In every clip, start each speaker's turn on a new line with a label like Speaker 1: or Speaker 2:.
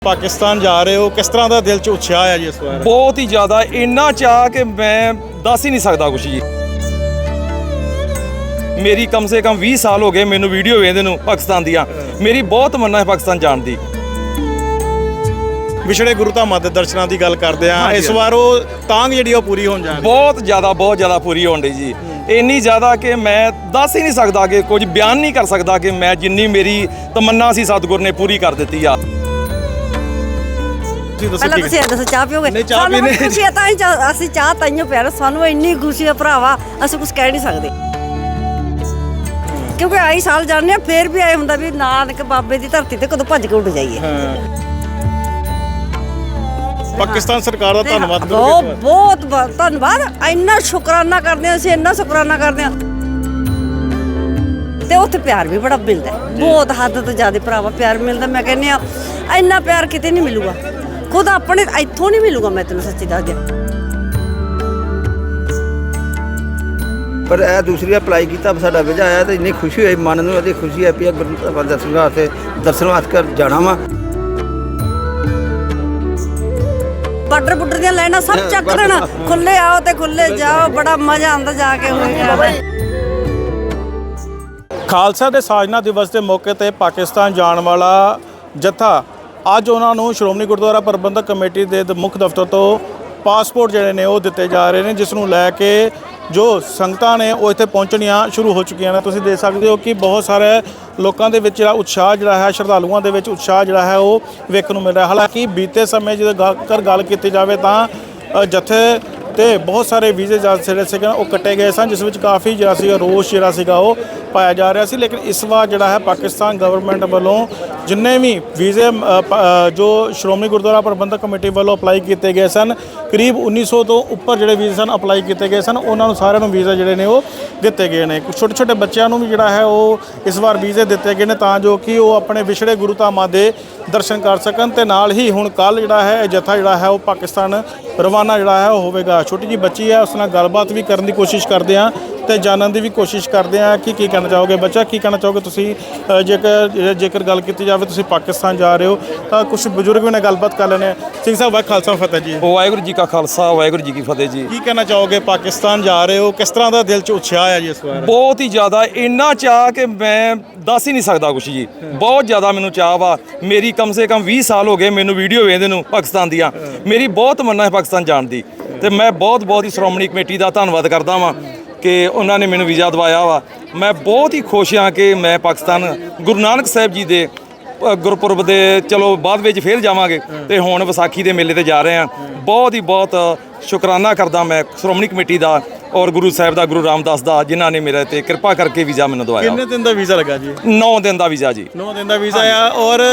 Speaker 1: पाकिस्तान जा रहे हो, किस तरह का दिल च उत्साह है जी इस बार?
Speaker 2: बहुत ही ज़्यादा, इन्ना चाह कि मैं दस ही नहीं सकता कुछ जी। मेरी कम से कम 20 साल हो गए मैनू वीडियो वेखदे नूं पाकिस्तान दियां। मेरी बहुत मन्ना है पाकिस्तान जाण दी।
Speaker 1: विछड़े गुरु धामां दे दर्शनां दी गल करदे आ, इस बार वो तांग जिहड़ी ओह पूरी होण जा रही
Speaker 2: बहुत ज़्यादा पूरी होण दी जी। इन्नी ज़्यादा कि मैं दस ही नहीं सकता कि कुछ बयान नहीं कर सकता कि मैं जिन्नी मेरी तमन्ना सी सतगुर ने पूरी कर दी आ।
Speaker 3: ਪਹਿਲਾਂ ਤੁਸੀਂ ਇਹ ਦੱਸੋ ਚਾਹ ਪੀਓਗੇ? ਸਾਨੂੰ ਖੁਸ਼ੀ ਹੈ ਤਾਂ ਹੀ ਅਸੀਂ ਚਾਹ ਤਾਈਓ ਪਿਆ ਸਾਨੂੰ ਇੰਨੀ ਖੁਸ਼ੀ ਹੈ ਭਰਾਵਾ, ਅਸੀਂ ਕੁਝ ਕਹਿ ਨਹੀਂ ਸਕਦੇ ਕਿਉਂਕਿ ਆਈ ਸਾਲ ਜਾਂਦੇ ਆ ਫੇਰ ਵੀ ਆਏ ਹੁੰਦਾ ਵੀ ਨਾਨਕ ਬਾਬੇ ਦੀ ਧਰਤੀ ਤੇ ਕਦੋਂ ਭੱਜ ਕੇ ਉੱਡ ਜਾਈਏ।
Speaker 1: ਪਾਕਿਸਤਾਨ ਸਰਕਾਰ ਦਾ ਧੰਨਵਾਦ
Speaker 3: ਬਹੁਤ ਧੰਨਵਾਦ, ਇੰਨਾ ਸ਼ੁਕਰਾਨਾ ਕਰਦੇ ਹਾਂ ਅਸੀਂ, ਇੰਨਾ ਸ਼ੁਕਰਾਨਾ ਕਰਦੇ ਹਾਂ ਤੇ ਉੱਥੇ ਪਿਆਰ ਵੀ ਬੜਾ ਮਿਲਦਾ, ਬਹੁਤ ਹੱਦ ਤੋਂ ਜ਼ਿਆਦਾ ਭਰਾਵਾ ਪਿਆਰ ਮਿਲਦਾ। ਮੈਂ ਕਹਿੰਦੀ ਆ ਇੰਨਾ ਪਿਆਰ ਕਿਤੇ ਨਹੀਂ ਮਿਲੂਗਾ, ਖੁਦ ਆਪਣੇ ਇੱਥੋਂ ਨਹੀਂ ਮਿਲੂਗਾ, ਮੈਂ ਤੈਨੂੰ ਸੱਚੀ ਦੱਸ ਦਿਆਂ।
Speaker 4: ਪਰ ਇਹ ਦੂਸਰੀ ਅਪਲਾਈ ਕੀਤਾ ਸਾਡਾ ਵੀਜ਼ਾ ਆਇਆ ਤੇ ਇੰਨੀ ਖੁਸ਼ੀ ਹੋਈ, ਮਨ ਨੂੰ ਇਹਦੀ ਖੁਸ਼ੀ ਹੈ ਵੀ ਗੁਰੂ ਦਰਸ਼ਨ ਵਾਸਤੇ ਕਰ ਜਾਣਾ ਵਾ। ਬਾਰਡਰ ਦੀਆਂ ਲਾਈਨਾਂ ਸਭ ਚੈੱਕ ਕਰਨ, ਖੁੱਲੇ ਆਓ ਤੇ ਖੁੱਲੇ ਜਾਓ, ਬੜਾ ਮਜ਼ਾ ਆਉਂਦਾ ਜਾ ਕੇ ਹੋਏਗਾ।
Speaker 1: ਖਾਲਸਾ ਦੇ ਸਾਜਨਾ ਦਿਵਸ ਦੇ ਮੌਕੇ ਤੇ ਪਾਕਿਸਤਾਨ ਜਾਣ ਵਾਲਾ ਜੱਥਾ ਅੱਜ ਉਹਨਾਂ ਨੂੰ ਸ਼੍ਰੋਮਣੀ ਗੁਰਦੁਆਰਾ ਪ੍ਰਬੰਧਕ ਕਮੇਟੀ ਦੇ ਮੁੱਖ ਦਫ਼ਤਰ ਤੋਂ ਪਾਸਪੋਰਟ ਜਿਹੜੇ ਨੇ ਉਹ ਦਿੱਤੇ ਜਾ ਰਹੇ ਨੇ, ਜਿਸ ਨੂੰ ਲੈ ਕੇ ਜੋ ਸੰਗਤਾਂ ਨੇ ਉਹ ਇੱਥੇ ਪਹੁੰਚਣੀਆਂ ਸ਼ੁਰੂ ਹੋ ਚੁੱਕੀਆਂ ਨੇ। ਤੁਸੀਂ ਦੇਖ ਸਕਦੇ ਹੋ ਕਿ ਬਹੁਤ ਸਾਰੇ ਲੋਕਾਂ ਦੇ ਵਿੱਚ ਜਿਹੜਾ ਉਤਸ਼ਾਹ ਜਿਹੜਾ ਹੈ, ਸ਼ਰਧਾਲੂਆਂ ਦੇ ਵਿੱਚ ਉਤਸ਼ਾਹ ਜਿਹੜਾ ਹੈ ਉਹ ਵੇਖਣ ਨੂੰ ਮਿਲ ਰਿਹਾ। ਹਾਲਾਂਕਿ ਬੀਤੇ ਸਮੇਂ ਜਦੋਂ ਗੱਲ ਕੀਤੀ ਜਾਵੇ ਤਾਂ ਜੱਥੇ ਤੇ ਬਹੁਤ ਸਾਰੇ ਵੀਜ਼ੇ ਜਿਹੜੇ ਸੀਗੇ ਉਹ ਕੱਟੇ ਗਏ ਸਨ, ਜਿਸ ਵਿੱਚ ਕਾਫੀ ਜਿਹੜਾ ਸੀਗਾ ਰੋਸ਼ ਜਿਹੜਾ ਸੀਗਾ ਉਹ ਪਾਇਆ ਜਾ ਰਿਹਾ ਸੀ। ਲੇਕਿਨ ਇਸ ਵਾਰ ਜਿਹੜਾ ਹੈ ਪਾਕਿਸਤਾਨ ਗਵਰਨਮੈਂਟ ਵੱਲੋਂ ਜਿੰਨੇ ਵੀ ਵੀਜ਼ੇ ਜੋ ਸ਼੍ਰੋਮਣੀ ਗੁਰਦੁਆਰਾ ਪ੍ਰਬੰਧਕ ਕਮੇਟੀ ਵੱਲੋਂ ਅਪਲਾਈ ਕੀਤੇ ਗਏ ਸਨ, ਕਰੀਬ 1900 ਤੋਂ ਉੱਪਰ ਜਿਹੜੇ ਵੀਜ਼ੇ ਸਨ ਅਪਲਾਈ ਕੀਤੇ ਗਏ ਸਨ, ਉਹਨਾਂ ਨੂੰ ਸਾਰਿਆਂ ਨੂੰ ਵੀਜ਼ਾ ਜਿਹੜੇ ਨੇ ਉਹ ਦਿੱਤੇ ਗਏ ਨੇ। ਛੋਟੇ ਬੱਚਿਆਂ ਨੂੰ ਵੀ ਜਿਹੜਾ ਹੈ ਉਹ ਇਸ ਵਾਰ ਵੀਜ਼ੇ ਦਿੱਤੇ ਗਏ ਨੇ ਤਾਂ ਜੋ ਕਿ ਉਹ ਆਪਣੇ ਵਿਛੜੇ ਗੁਰੂ ਧਾਮਾਂ ਦੇ ਦਰਸ਼ਨ ਕਰ ਸਕਣ। ਤੇ ਨਾਲ ਹੀ ਹੁਣ ਕੱਲ੍ਹ ਜਿਹੜਾ ਹੈ ਇਹ ਜੱਥਾ ਜਿਹੜਾ ਹੈ ਉਹ ਪਾਕਿਸਤਾਨ ਰਵਾਨਾ ਜਿਹੜਾ ਹੈ ਉਹ ਹੋਵੇਗਾ। ਛੋਟੀ ਜਿਹੀ ਬੱਚੀ ਹੈ, ਉਸ ਨਾਲ ਗੱਲਬਾਤ ਵੀ ਕਰਨ ਦੀ ਕੋਸ਼ਿਸ਼ ਕਰਦੇ ਹਾਂ ਤੇ ਜਾਣਨ ਦੀ ਵੀ ਕੋਸ਼ਿਸ਼ ਕਰਦੇ ਹਾਂ ਕਿ ਕੀ ਕਹਿਣਾ ਚਾਹੋਗੇ। ਬੱਚਾ, ਕੀ ਕਹਿਣਾ ਚਾਹੋਗੇ ਤੁਸੀਂ? ਜੇਕਰ ਗੱਲ ਕੀਤੀ ਜਾਵੇ ਤੁਸੀਂ ਪਾਕਿਸਤਾਨ ਜਾ ਰਹੇ ਹੋ ਤਾਂ ਕੁਝ ਬਜ਼ੁਰਗ ਵੀ ਨਾਲ ਗੱਲਬਾਤ ਕਰ ਲੈਣੇ। ਸਿੰਘ ਸਾਹਿਬ, ਵਾਹਿਗੁਰੂ ਖਾਲਸਾ ਫਤਿਹ ਜੀ।
Speaker 2: ਵਾਹਿਗੁਰੂ ਜੀ ਕਾ ਖਾਲਸਾ, ਵਾਹਿਗੁਰੂ ਜੀ ਕੀ ਫਤਿਹ ਜੀ।
Speaker 1: ਕੀ ਕਹਿਣਾ ਚਾਹੋਗੇ? ਪਾਕਿਸਤਾਨ ਜਾ ਰਹੇ ਹੋ, ਕਿਸ ਤਰ੍ਹਾਂ ਦਾ ਦਿਲ 'ਚ ਉਤਸ਼ਾਹ ਹੈ ਜੀ ਇਸ ਵਾਰ?
Speaker 2: ਬਹੁਤ ਹੀ ਜ਼ਿਆਦਾ, ਇੰਨਾ ਚਾਹ ਕਿ ਮੈਂ ਦੱਸ ਹੀ ਨਹੀਂ ਸਕਦਾ ਕੁਛ ਜੀ। ਬਹੁਤ ਜ਼ਿਆਦਾ ਮੈਨੂੰ ਚਾਹ ਵਾ। ਮੇਰੀ ਕਮ ਸੇ ਕਮ 20 ਸਾਲ ਹੋ ਗਏ ਮੈਨੂੰ ਵੀਡੀਓ ਵੇਖਦੇ ਨੂੰ ਪਾਕਿਸਤਾਨ ਦੀਆਂ। ਮੇਰੀ ਬਹੁਤ ਮੰਨਣਾ ਹੈ ਪਾਕਿਸਤਾਨ ਜਾਣ ਦੀ ਤੇ ਮੈਂ ਬਹੁਤ ਹੀ ਸ਼੍ਰੋਮਣੀ ਕਮੇਟੀ ਦਾ ਧੰਨਵਾਦ ਕਰਦਾ ਵਾਂ ਕਿ ਉਹਨਾਂ ਨੇ ਮੈਨੂੰ ਵੀਜ਼ਾ ਦਵਾਇਆ ਵਾ। ਮੈਂ ਬਹੁਤ ਹੀ ਖੁਸ਼ ਹਾਂ ਕਿ ਮੈਂ ਪਾਕਿਸਤਾਨ ਗੁਰੂ ਨਾਨਕ ਸਾਹਿਬ ਜੀ ਦੇ ਗੁਰਪੁਰਬ ਦੇ ਚਲੋ ਬਾਅਦ ਵਿੱਚ ਫਿਰ ਜਾਵਾਂਗੇ ਤੇ ਹੁਣ ਵਿਸਾਖੀ ਦੇ ਮੇਲੇ ਤੇ ਜਾ ਰਹੇ ਹਾਂ। ਬਹੁਤ ਸ਼ੁਕਰਾਨਾ ਕਰਦਾ ਮੈਂ ਸ਼੍ਰੋਮਣੀ ਕਮੇਟੀ ਦਾ ਔਰ ਗੁਰੂ ਸਾਹਿਬ ਦਾ, ਗੁਰੂ ਰਾਮਦਾਸ ਦਾ, ਜਿਨ੍ਹਾਂ ਨੇ ਮੇਰੇ ਤੇ ਕਿਰਪਾ ਕਰਕੇ ਵੀਜ਼ਾ ਮੈਨੂੰ ਦਵਾਇਆ।
Speaker 1: ਕਿੰਨੇ ਦਿਨ ਦਾ ਵੀਜ਼ਾ ਲੱਗਾ ਜੀ?
Speaker 2: 9 ਦਿਨ ਦਾ ਵੀਜ਼ਾ ਜੀ।
Speaker 1: 9 ਦਿਨ ਦਾ ਵੀਜ਼ਾ ਆ। ਔਰ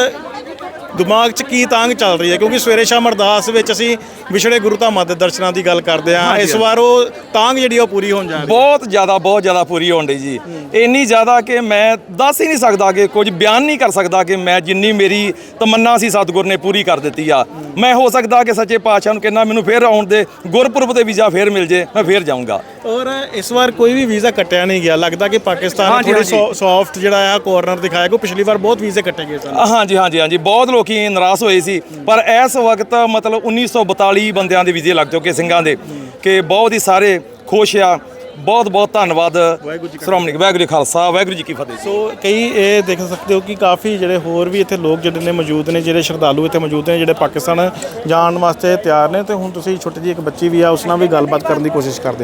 Speaker 1: ਦਿਮਾਗ 'ਚ ਕੀ ਤਾਂਗ ਚੱਲ ਰਹੀ ਹੈ? ਕਿਉਂਕਿ ਸਵੇਰੇ ਸ਼ਾਮ ਅਰਦਾਸ ਵਿੱਚ ਅਸੀਂ ਵਿਛੜੇ ਗੁਰੂ ਧਾਮਾਂ ਦੇ ਦਰਸ਼ਨਾਂ ਦੀ ਗੱਲ ਕਰਦੇ ਹਾਂ, ਇਸ ਵਾਰ ਉਹ ਤਾਂਗ ਜਿਹੜੀ ਉਹ ਪੂਰੀ ਹੋਣ ਜਾ ਰਹੀ ਹੈ।
Speaker 2: ਬਹੁਤ ਜ਼ਿਆਦਾ ਪੂਰੀ ਹੋਣ ਡਈ ਜੀ। ਇੰਨੀ ਜ਼ਿਆਦਾ ਕਿ ਮੈਂ ਦੱਸ ਹੀ ਨਹੀਂ ਸਕਦਾ ਕਿ ਕੁਝ ਬਿਆਨ ਨਹੀਂ ਕਰ ਸਕਦਾ ਕਿ ਮੈਂ ਜਿੰਨੀ ਮੇਰੀ ਤਮੰਨਾ ਸੀ ਸਤਗੁਰ ਨੇ ਪੂਰੀ ਕਰ ਦਿੱਤੀ ਆ। ਮੈਂ ਹੋ ਸਕਦਾ ਕਿ ਸੱਚੇ ਪਾਤਸ਼ਾਹ ਨੂੰ ਕਹਿੰਦਾ ਮੈਨੂੰ ਫੇਰ ਆਉਣ ਦੇ, ਗੁਰਪੁਰਬ ਦੇ ਵੀਜ਼ਾ ਫੇਰ ਮਿਲ ਜੇ, ਮੈਂ ਫੇਰ ਜਾਊਂਗਾ।
Speaker 1: ਔਰ ਇਸ ਵਾਰ ਕੋਈ ਵੀ ਵੀਜ਼ਾ ਕੱਟਿਆ ਨਹੀਂ ਗਿਆ। ਲੱਗਦਾ ਕਿ ਪਾਕਿਸਤਾਨ ਨੇ ਥੋੜੀ ਸੌਫਟ ਜਿਹੜਾ ਆ ਕੋਰਨਰ ਦਿਖਾਇਆ, ਕੋਈ ਪਿਛਲੀ ਵਾਰ ਬਹੁਤ ਵੀਜ਼ੇ ਕੱਟੇ ਗਏ ਸਨ।
Speaker 2: ਹਾਂਜੀ ਬਹੁਤ ਲੋਕੀ ਨਾਰਾਜ਼ ਹੋਏ ਸੀ, ਪਰ ਇਸ ਵਕਤ ਮਤਲਬ 1942 ਬੰਦਿਆਂ ਦੇ ਵੀਜ਼ੇ ਲੱਗ ਚੁੱਕੇ ਸਿੰਘਾਂ ਦੇ, ਕਿ ਬਹੁਤ ਹੀ ਸਾਰੇ ਖੁਸ਼ ਆ। ਬਹੁਤ ਧੰਨਵਾਦ ਸ਼੍ਰੋਮਣੀ। ਵਾਹਿਗੁਰੂ ਜੀ ਖਾਲਸਾ, ਵਾਹਿਗੁਰੂ ਜੀ ਕੀ ਫਤਿਹ।
Speaker 1: ਸੋ ਕਈ ਇਹ ਦੇਖ ਸਕਦੇ ਹੋ ਕਿ ਕਾਫੀ ਜਿਹੜੇ ਹੋਰ ਵੀ ਇੱਥੇ ਲੋਕ ਜਿਹੜੇ ਨੇ ਮੌਜੂਦ ਨੇ, ਜਿਹੜੇ ਸ਼ਰਧਾਲੂ ਇੱਥੇ ਮੌਜੂਦ ਨੇ, ਜਿਹੜੇ ਪਾਕਿਸਤਾਨ ਜਾਣ ਵਾਸਤੇ ਤਿਆਰ ਨੇ। ਤੇ ਹੁਣ ਤੁਸੀਂ ਛੋਟੀ ਜਿਹੀ ਇੱਕ ਬੱਚੀ ਵੀ ਆ, ਉਸ ਨਾਲ ਵੀ ਗੱਲਬਾਤ ਕਰਨ ਦੀ ਕੋਸ਼ਿਸ਼ ਕਰਦੇ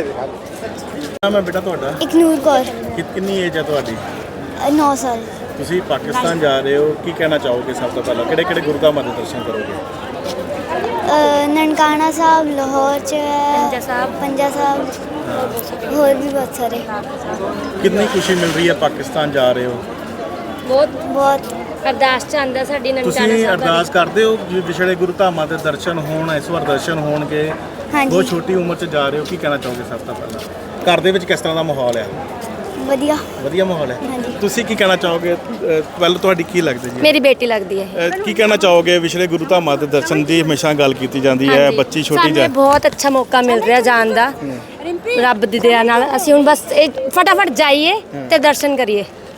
Speaker 1: ਹਾਂ। ਮੈਂ ਬੇਟਾ ਤੁਹਾਡਾ?
Speaker 5: ਇਕਨੂਰ ਕੌਰ।
Speaker 1: ਕਿੰਨੀ ਏਜ ਹੈ ਤੁਹਾਡੀ?
Speaker 5: 9 ਸਾਲ।
Speaker 1: ਤੁਸੀਂ ਪਾਕਿਸਤਾਨ ਜਾ ਰਹੇ ਹੋ, ਕੀ ਕਹਿਣਾ ਚਾਹੋਗੇ? ਸਭ ਤੋਂ ਪਹਿਲਾਂ ਕਿਹੜੇ ਗੁਰੂ ਧਾਮਾਂ ਦੇ ਦਰਸ਼ਨ ਕਰੋਗੇ?
Speaker 5: ਨਨਕਾਣਾ ਸਾਹਿਬ, ਲਾਹੌਰ 'ਚ ਪੰਜਾ ਸਾਹਿਬ, ਹੋਰ ਵੀ ਬਹੁਤ ਸਾਰੇ।
Speaker 1: ਕਿੰਨੀ ਖੁਸ਼ੀ ਮਿਲ ਰਹੀ ਹੈ ਪਾਕਿਸਤਾਨ ਜਾ ਰਹੇ ਹੋ?
Speaker 5: ਬਹੁਤ
Speaker 6: ਅਰਦਾਸ ਚ ਆਂਦਾ ਸਾਡੀ ਨਨਕਾਣਾ ਸਾਹਿਬ।
Speaker 1: ਤੁਸੀਂ ਅਰਦਾਸ ਕਰਦੇ ਹੋ ਕਿ ਵਿਛੜੇ ਗੁਰੂ ਧਾਮਾਂ ਦੇ ਦਰਸ਼ਨ ਹੋਣ, ਇਸ ਵਾਰ ਦਰਸ਼ਨ ਹੋਣਗੇ? ਬਹੁਤ ਛੋਟੀ ਉਮਰ 'ਚ ਜਾ ਰਹੇ ਹੋ, ਕੀ ਕਹਿਣਾ ਚਾਹੋਗੇ ਸਭ ਤੋਂ ਪਹਿਲਾਂ? ਘਰ ਦੇ ਵਿੱਚ ਕਿਸ ਤਰ੍ਹਾਂ ਦਾ ਮਾਹੌਲ ਹੈ? ਵਧੀਆ ਮਾਹੌਲ ਹੈ। ਤੁਸੀਂ ਕੀ ਕਹਿਣਾ ਚਾਹੋਗੇ? ਪਹਿਲਾਂ ਤੁਹਾਡੀ ਕੀ ਲੱਗਦੀ ਜੀ?
Speaker 6: ਮੇਰੀ ਬੇਟੀ ਲੱਗਦੀ ਹੈ।
Speaker 1: ਕੀ ਕਹਿਣਾ ਚਾਹੋਗੇ? ਵਿਛੜੇ ਗੁਰੂ ਧਾਮਾਂ ਦੇ ਦਰਸ਼ਨ ਦੀ ਹਮੇਸ਼ਾ ਗੱਲ ਕੀਤੀ ਜਾਂਦੀ ਹੈ, ਬੱਚੀ ਛੋਟੀ
Speaker 6: ਸਾਨੂੰ ਬਹੁਤ ਅੱਛਾ ਮੌਕਾ ਮਿਲ ਰਿਹਾ ਜਾਣ ਦਾ ਰੱਬ ਦੀ ਦਇਆ ਨਾਲ। ਅਸੀਂ ਹੁਣ ਬਸ ਫਟਾਫਟ ਜਾਈਏ ਤੇ ਦਰਸ਼ਨ ਕਰੀਏ।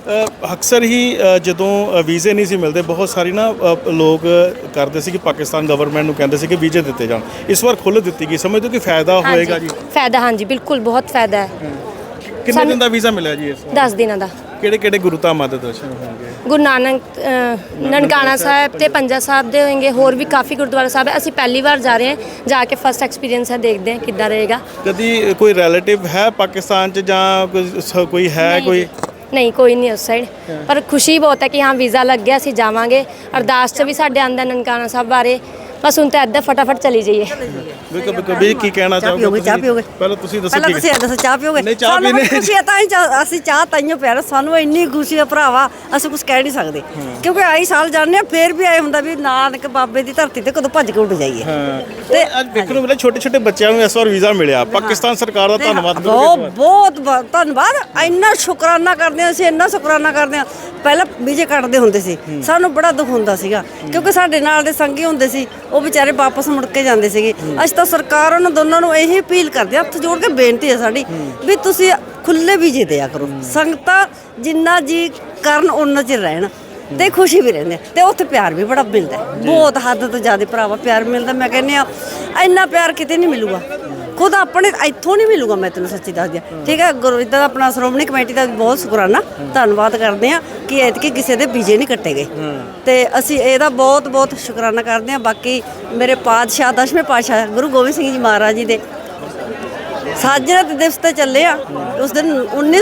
Speaker 1: ਅਕਸਰ ਹੀ ਜਦੋਂ ਵੀਜ਼ੇ ਨਹੀਂ ਸੀ ਮਿਲਦੇ ਬਹੁਤ ਸਾਰੀ ਨਾ ਲੋਕ ਕਰਦੇ ਸੀ ਕਿ ਪਾਕਿਸਤਾਨ ਗਵਰਨਮੈਂਟ ਨੂੰ ਕਹਿੰਦੇ ਸੀ ਕਿ ਵੀਜ਼ੇ ਦਿੱਤੇ ਜਾਣ। ਇਸ ਵਾਰ ਖੁੱਲ੍ਹ ਦਿੱਤੀ ਗਈ, ਸਮਝਦੇ ਹੋ ਕਿ ਫਾਇਦਾ ਹੋਏਗਾ ਜੀ?
Speaker 6: ਫਾਇਦਾ ਹਾਂਜੀ ਬਿਲਕੁਲ ਬਹੁਤ ਫਾਇਦਾ ਹੈ।
Speaker 1: ਕਿੰਨੇ ਦਿਨ ਦਾ ਵੀਜ਼ਾ ਮਿਲਿਆ ਜੀ ਇਸ ਵਾਰ?
Speaker 6: 10 ਦਿਨਾਂ ਦਾ।
Speaker 1: ਕਿਹੜੇ ਕਿਹੜੇ ਗੁਰੂ ਧਾਮਾਂ ਦੇ ਦਰਸ਼ਨ ਹੋਣਗੇ?
Speaker 6: ਗੁਰੂ ਨਾਨਕ ਨਨਕਾਣਾ ਸਾਹਿਬ ਤੇ ਪੰਜਾ ਸਾਹਿਬ ਦੇ ਹੋਣਗੇ, ਹੋਰ ਵੀ ਕਾਫੀ ਗੁਰਦੁਆਰਾ ਸਾਹਿਬ ਹੈ। ਅਸੀਂ ਪਹਿਲੀ ਵਾਰ ਜਾ ਰਹੇ ਹਾਂ, ਜਾ ਕੇ ਫਸਟ ਐਕਸਪੀਰੀਅੰਸ ਹੈ, ਦੇਖਦੇ ਹਾਂ ਕਿੱਦਾਂ ਰਹੇਗਾ।
Speaker 1: ਕਦੀ ਕੋਈ ਰਿਲੇਟਿਵ ਹੈ ਪਾਕਿਸਤਾਨ 'ਚ ਜਾਂ ਕੋਈ ਹੈ ਕੋਈ?
Speaker 6: ਨਹੀਂ ਕੋਈ ਨਹੀਂ ਉਸ ਸਾਈਡ, ਪਰ ਖੁਸ਼ੀ ਬਹੁਤ ਹੈ ਕਿ ਹਾਂ ਵੀਜ਼ਾ ਲੱਗ ਗਿਆ, ਅਸੀਂ ਜਾਵਾਂਗੇ। ਅਰਦਾਸ 'ਚ ਵੀ ਸਾਡੇ ਆਂਦਾ ਨਨਕਾਣਾ ਸਾਹਿਬ ਬਾਰੇ, ਬਸ ਹੁਣ ਤਾਂ ਇੱਦਾਂ ਫਟਾਫਟ ਚਲੀ ਜਾਈਏ।
Speaker 1: ਵੀ ਕੀ ਕਹਿਣਾ ਚਾਹੋਗੇ?
Speaker 3: ਚਾਹ ਪੀਓਗੇ?
Speaker 1: ਪਹਿਲਾਂ ਤੁਸੀਂ ਦੱਸੋ।
Speaker 3: ਪਹਿਲਾਂ ਤੁਸੀਂ ਦੱਸੋ, ਚਾਹ ਪੀਓਗੇ?
Speaker 1: ਨਹੀਂ, ਚਾਹ
Speaker 3: ਸਾਨੂੰ
Speaker 1: ਪੀਣੇ।
Speaker 3: ਖੁਸ਼ੀ ਹੈ ਤਾਂ ਅਸੀਂ ਚਾਹ ਤਾਈਓ ਪਿਆਰ, ਸਾਨੂੰ ਇੰਨੀ ਖੁਸ਼ੀ ਹੈ ਭਰਾਵਾ, ਅਸੀਂ ਕੁਝ ਕਹਿ ਨਹੀਂ ਸਕਦੇ। ਕਿਉਂਕਿ ਆਈ ਸਾਲ ਜਾਂਦੇ ਆ, ਫੇਰ ਵੀ ਆਏ ਹੁੰਦਾ ਵੀ ਨਾਨਕ ਬਾਬੇ ਦੀ ਧਰਤੀ ਤੇ ਕਦੋਂ ਭੱਜ ਕੇ ਉੱਡ ਜਾਈਏ।
Speaker 1: ਤੇ ਅੱਜ ਦੇਖਣ ਨੂੰ ਮਿਲਿਆ ਛੋਟੇ ਛੋਟੇ ਬੱਚਿਆਂ ਨੂੰ ਇਸ ਵਾਰ ਵੀਜ਼ਾ ਮਿਲਿਆ। ਪਾਕਿਸਤਾਨ ਸਰਕਾਰ ਦਾ ਧੰਨਵਾਦ
Speaker 3: ਬਹੁਤ ਧੰਨਵਾਦ। ਇੰਨਾ ਸ਼ੁਕਰਾਨਾ ਕਰਦੇ ਹਾਂ ਅਸੀਂ, ਇੰਨਾ ਸ਼ੁਕਰਾਨਾ ਕਰਦੇ ਹਾਂ। ਪਹਿਲਾਂ ਵੀਜ਼ੇ ਕੱਟਦੇ ਹੁੰਦੇ ਸੀ, ਸਾਨੂੰ ਬੜਾ ਦੁੱਖ ਹੁੰਦਾ ਸੀਗਾ, ਕਿਉਂਕਿ ਸਾਡੇ ਨਾਲ ਦੇ ਸੰਗੀ ਹੁੰਦੇ ਸੀ, ਉਹ ਵਿਚਾਰੇ ਵਾਪਸ ਮੁੜ ਕੇ ਜਾਂਦੇ ਸੀਗੇ। ਅਸੀਂ ਤਾਂ ਸਰਕਾਰ ਉਹਨਾਂ ਦੋਨਾਂ ਨੂੰ ਇਹੀ ਅਪੀਲ ਕਰਦੇ ਹਾਂ, ਹੱਥ ਜੋੜ ਕੇ ਬੇਨਤੀ ਹੈ ਸਾਡੀ ਵੀ ਤੁਸੀਂ ਖੁੱਲੇ ਵੀਜ਼ੇ ਦਿਆ ਕਰੋ। ਸੰਗਤਾਂ ਜਿੰਨਾ ਜੀ ਕਰਨ ਉਹਨਾਂ ਚਿਰ ਰਹਿਣ ਤੇ ਖੁਸ਼ੀ ਵੀ ਰਹਿੰਦੇ ਤੇ ਉੱਥੇ ਪਿਆਰ ਵੀ ਬੜਾ ਮਿਲਦਾ, ਬਹੁਤ ਹੱਦ ਤੋਂ ਜ਼ਿਆਦਾ ਭਰਾਵਾ ਪਿਆਰ ਮਿਲਦਾ। ਮੈਂ ਕਹਿੰਦੀ ਆ ਇੰਨਾ ਪਿਆਰ ਕਿਤੇ ਨਹੀਂ ਮਿਲੂਗਾ, ਖੁਦ ਆਪਣੇ ਇੱਥੋਂ ਨਹੀਂ ਮਿਲੂਗਾ। ਮੈਂ ਤੈਨੂੰ ਸੱਚੀ ਦੱਸਦੀ ਹਾਂ, ਠੀਕ ਹੈ। ਗੁਰੂ ਇੱਦਾਂ ਦਾ ਆਪਣਾ ਸ਼੍ਰੋਮਣੀ ਕਮੇਟੀ ਦਾ ਬਹੁਤ ਸ਼ੁਕਰਾਨਾ, ਧੰਨਵਾਦ ਕਰਦੇ ਹਾਂ ਕਿ ਐਤਕੀ ਕਿਸੇ ਦੇ ਵੀਜ਼ੇ ਨਹੀਂ ਕੱਟੇ ਗਏ, ਤੇ ਅਸੀਂ ਇਹਦਾ ਬਹੁਤ ਬਹੁਤ ਸ਼ੁਕਰਾਨਾ ਕਰਦੇ ਹਾਂ। ਬਾਕੀ ਮੇਰੇ ਪਾਤਸ਼ਾਹ 10ਵੇਂ ਪਾਤਸ਼ਾਹ ਗੁਰੂ ਗੋਬਿੰਦ ਸਿੰਘ ਜੀ ਮਹਾਰਾਜ ਜੀ ਦੇ ਸਾਜਣਾ ਦੇ ਦਿਵਸ ਤੇ ਚੱਲੇ ਆ। ਉਸ ਦਿਨ